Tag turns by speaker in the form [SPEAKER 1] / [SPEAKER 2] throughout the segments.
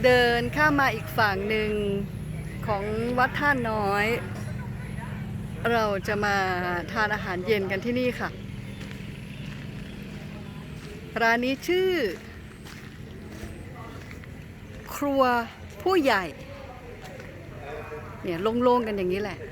[SPEAKER 1] เดินข้ามมาอีกฝั่งหนึ่งของวัดท่าน้อยเราจะมาทานอาหารเย็นกันที่นี่ค่ะร้านนี้ชื่อครัวผู้ใหญ่เนี่ยโล่งๆกันอย่างนี้แหละ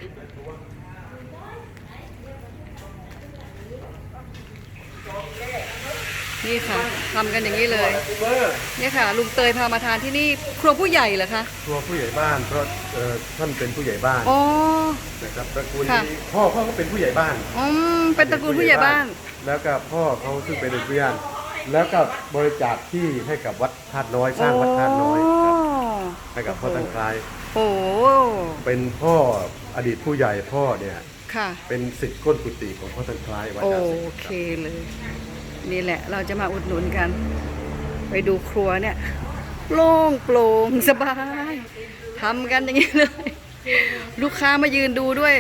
[SPEAKER 1] นี่ค่ะทำกันอย่างนี้เลยนี่ค่ะลุงเตยพามาทานที่นี่ครัวผู้ใหญ่เหรอคะ
[SPEAKER 2] ครัวผู้ใหญ่บ้านเพราะท่านเป็นผู้ใหญ่บ้าน
[SPEAKER 1] อ๋อ
[SPEAKER 2] นะครับตระกูลนี้พ่อก็เป็นผู้ใหญ่บ้าน
[SPEAKER 1] เป็นตระกูลผู้ใหญ่บ้าน
[SPEAKER 2] แล้วก็พ่อเขาซึ่งเป็นเพื่อนแล้วก็บริจาคที่ให้กับวัดธาตุน้อยสร้างวัดธาตุน้อยให้กับพ่อตังคลาย
[SPEAKER 1] โอ้
[SPEAKER 2] เป็นพ่ออดีตผู้ใหญ่พ่อเนี่ย
[SPEAKER 1] ค่ะ
[SPEAKER 2] เป็นศิษย์ก้นกุฏิของพ่อตังคลายวัด
[SPEAKER 1] โอเคเลยนี่แหละเราจะมาอุดหนุนกันไปดูครัวเนี่ยโล่งโปร่งสบายทำกันอย่างนี้เลยลูกค้ามายืนดูด้วย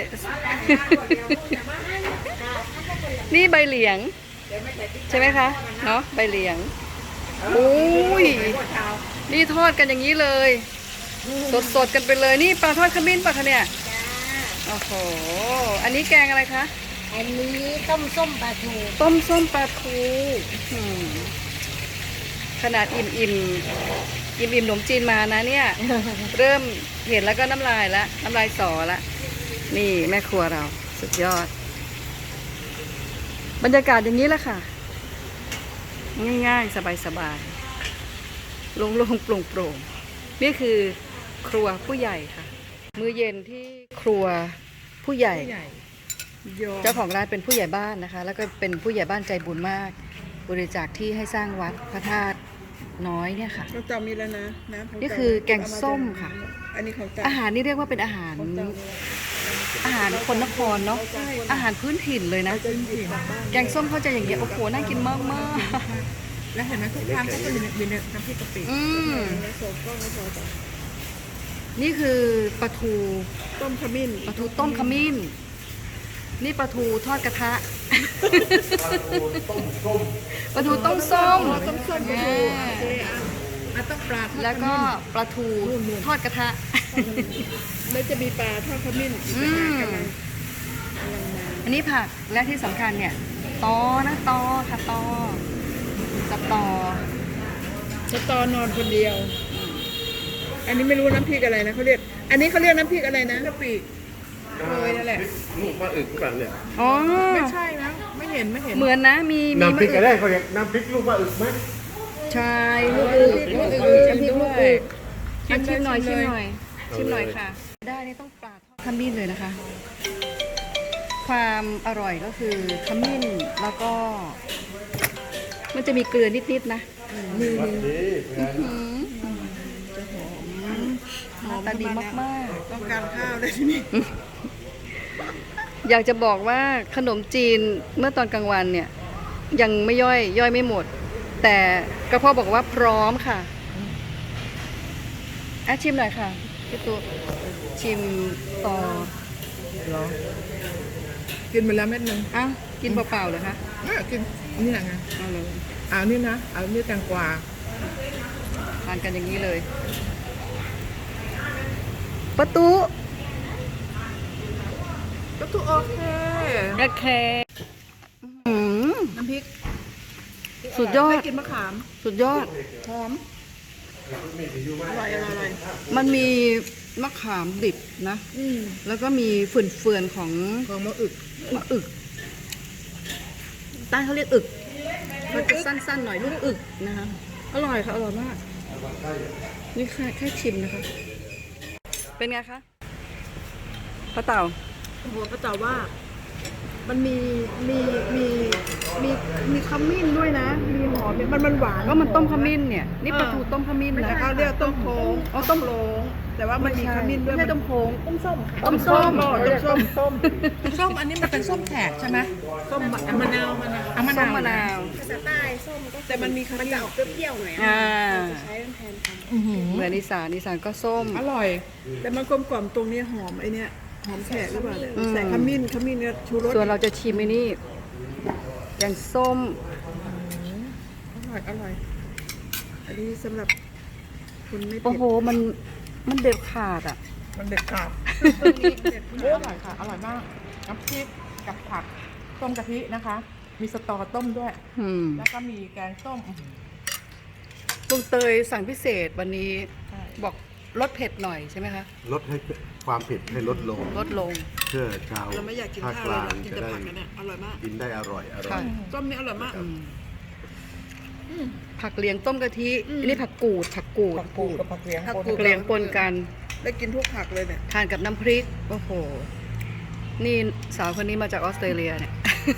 [SPEAKER 1] นี่ใบเหลียงใช่ไหมคะเนาะใบเหลียงโอ้ยนี่ทอดกันอย่างนี้เลยสดๆกันไปเลยนี่ปลาทอดขมิ้นปะคะเนี่ยโอ้โหอันนี้แกงอะไรคะ
[SPEAKER 3] อันนี้ต้มส้มปลาทู
[SPEAKER 1] ต้มส้มปลาทูขนาดอิ่มขนมจีนมานะเนี่ยเริ่มเห็นแล้วก็น้ำลายสอละนี่แม่ครัวเราสุดยอดบรรยากาศอย่างนี้แหละค่ะง่ายๆสบายๆโล่งๆโปร่งๆนี่คือครัวผู้ใหญ่ค่ะมื้อเย็นที่ครัวผู้ใหญ่เจ้าของร้านเป็นผู้ใหญ่บ้านนะคะแล้วก็เป็นผู้ใหญ่บ้านใจบุญมากบริจาคที่ให้สร้างวัดพระธาตุน้อยเนี่ยค่ะ
[SPEAKER 3] เราจำมีแล้วนะ
[SPEAKER 1] นี่คือแกงส้มค่ะ
[SPEAKER 3] อันนี้ของ
[SPEAKER 1] อาหารนี่เรียกว่าเป็นอาหารคนนครเนาะอาหารพื้นถิ่นเลยนะแกงส้มเขาจะอย่างเงี้ยโอ้โหน่ากินมากมาก
[SPEAKER 3] แล้วเห็นไหมทุกครั้งก็จะมีน้ำพริกกะปิ
[SPEAKER 1] นี่คือปลาทู
[SPEAKER 3] ต้มขมิ้น
[SPEAKER 1] ปลาทูต้มขมิ้นนี่ปลาทูทอดกระทะปลาทูต้มส้ม
[SPEAKER 3] ต้องปลา
[SPEAKER 1] แล้วก็ปลาทูทอดกระทะ
[SPEAKER 3] แล้วจะมีปลาทอดขมิ้น
[SPEAKER 1] อันนี้ผักและที่สำคัญเนี่ยตอค่ะต
[SPEAKER 3] อนอนคนเดียวอันนี้ไม่รู้น้ำพริกอะไรนะเขาเรียกอันนี้เขาเรียกน้ำพริกอะไรนะกะปิเลยนั่นแหละ
[SPEAKER 2] ลูกมะอึกหรือเปล่าเนี่ย
[SPEAKER 1] อ๋อ
[SPEAKER 3] ไม่ใช่นะไม่เห็น
[SPEAKER 1] เหมือนนะมี
[SPEAKER 2] น้ำพริกอะไรเขาเรียกน้ำพริกลูกมะอึกไหม
[SPEAKER 1] ใช่ลูกอึกน้ำพริกลูกอึกชิมหน่อยค่ะได้นี่ต้องปลาทอดขมิ้นเลยนะคะความอร่อยก็คือขมิ้นแล้วก็มันจะมีเกลือนิดๆนะหอมตาดีมาก
[SPEAKER 3] ๆต้องการข้าวเลยทีนี้
[SPEAKER 1] อยากจะบอกว่าขนมจีนเมื่อตอนกลางวันเนี่ยยังไม่ย่อยไม่หมดแต่กระเพาะบอกว่าพร้อมค่ะชิมหน่อยค่ะพี่ตุ๊ชิมต่อ
[SPEAKER 3] หรอกินไปแล้วเม็ดนึง
[SPEAKER 1] กินเปล่าๆเหรอคะ
[SPEAKER 3] กินนี่แหละไงเอานี่นะเอานี่แตงกวา
[SPEAKER 1] ทานกันอย่างนี้เลยประตู
[SPEAKER 3] โอเคน้ำพริก
[SPEAKER 1] สุดยอด
[SPEAKER 3] กินมะขาม
[SPEAKER 1] สุดยอด
[SPEAKER 3] หอมอร่อย
[SPEAKER 1] มันมีมะขามดิบนะแล้วก็มีเฟื่อนของ
[SPEAKER 3] มะอึก
[SPEAKER 1] ใต้เขาเรียกอึกมันจะสั้นๆหน่อยลูกอึกนะคะอร่อยค่ะอร่อยมากนี่แค่ชิมนะคะเป็นไงคะป้าเต่า
[SPEAKER 3] ป้าเต่าว่ามันมีขมิ้นด้วยนะมีหอมมันหวาน
[SPEAKER 1] ก็มันต้มขมิ้นเนี่ยนี่ปลาทูต้มขมิ้นนะ
[SPEAKER 3] เขาเรียกต้มโค้งต้มโล้งแต่ว่ามันมีขมิ้นด้วย
[SPEAKER 1] ไม่ใช่ต้มโค้ง
[SPEAKER 3] ต้มส้มอันนี้มันเป็นส้มแขกใช่ไหมส้มมะนาวภาษาใต้ส้มก็แต่มันมีมันจะออกเปรี้ยวๆหน่อยจะใช้แทน
[SPEAKER 1] เหมือนอีสานก็ส้ม
[SPEAKER 3] อร่อยแต่มันกลมกล่อมตรงนี้หอมไอเนี้ยหอมแขกหรือเปล่าเนี่ยใส่ขมิ้นเนี่ยชูรส
[SPEAKER 1] ส่วนเราจะชิมไอ้นี่แกงส้ม
[SPEAKER 3] อร่อยอันนี้สำหรับคุณไม่
[SPEAKER 1] โอ้
[SPEAKER 3] เผ็ด
[SPEAKER 1] โห มันเด็ดขาดอ่ะ
[SPEAKER 3] มันเด็ดขาด
[SPEAKER 1] ตัวนี้
[SPEAKER 3] เด็ดอร่อยค่ะ อร่อยมาก น้ำพริกกับผักต้มกะทินะคะ มีสตอต้มด้วย
[SPEAKER 1] อืม
[SPEAKER 3] แล้วก็มีแกงส้ม
[SPEAKER 1] ลุงเตยสั่งพิเศษวันนี้
[SPEAKER 3] ใช่
[SPEAKER 1] บอกลดเผ็ดหน่อยใช่ไหมคะ
[SPEAKER 2] ลดให้ความเผ็ดให้ลดลง
[SPEAKER 1] ลดลง
[SPEAKER 2] เพื่อชาว
[SPEAKER 3] เราไม่อยากกิน
[SPEAKER 2] ภาค
[SPEAKER 3] ข้าว
[SPEAKER 2] ก
[SPEAKER 3] เลย
[SPEAKER 2] ลาง
[SPEAKER 3] อยากกิน
[SPEAKER 2] จะ
[SPEAKER 3] แต่
[SPEAKER 2] ได้
[SPEAKER 3] ผักกันเนี่ยอร่อยมาก
[SPEAKER 2] กินได้อร่อย
[SPEAKER 1] ค่ะ
[SPEAKER 3] ต้มนี่อร่อยมาก
[SPEAKER 1] ผักเหลียงต้มกะทิอันนี้ผักกูด ผักกูด
[SPEAKER 3] ผักกูดกับผักเหลียง
[SPEAKER 1] ผักเหลียงปนกัน
[SPEAKER 3] ได้กินทุกผักเลยเนี่ย
[SPEAKER 1] ทานกับน้ำพริก โอ้โห นี่สาวคนนี้มาจากออสเตรเลียเนี่ย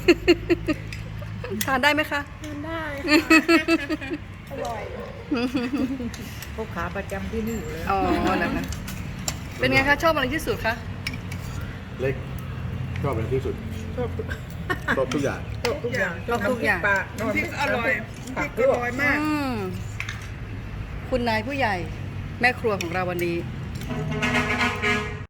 [SPEAKER 1] ทานได้ไหมคะ
[SPEAKER 3] ทานได้อร่อยพวกขาประจำที่นี่อยู่เลย
[SPEAKER 1] อ๋อนะคะเป็นไงคะ ชอบอะไรที่สุดคะ
[SPEAKER 2] เล็กชอบอะไรที่สุด
[SPEAKER 3] ชอบ
[SPEAKER 2] ชอบทุกอย่าง
[SPEAKER 3] ชอบทุกอย่าง
[SPEAKER 1] ชอบทุกอย่าง
[SPEAKER 3] น้ำพริกอร่อยน้ำพริกอร่อยมาก
[SPEAKER 1] อืมคุณนายผู้ใหญ่ แม่ครัวของเราวันนี้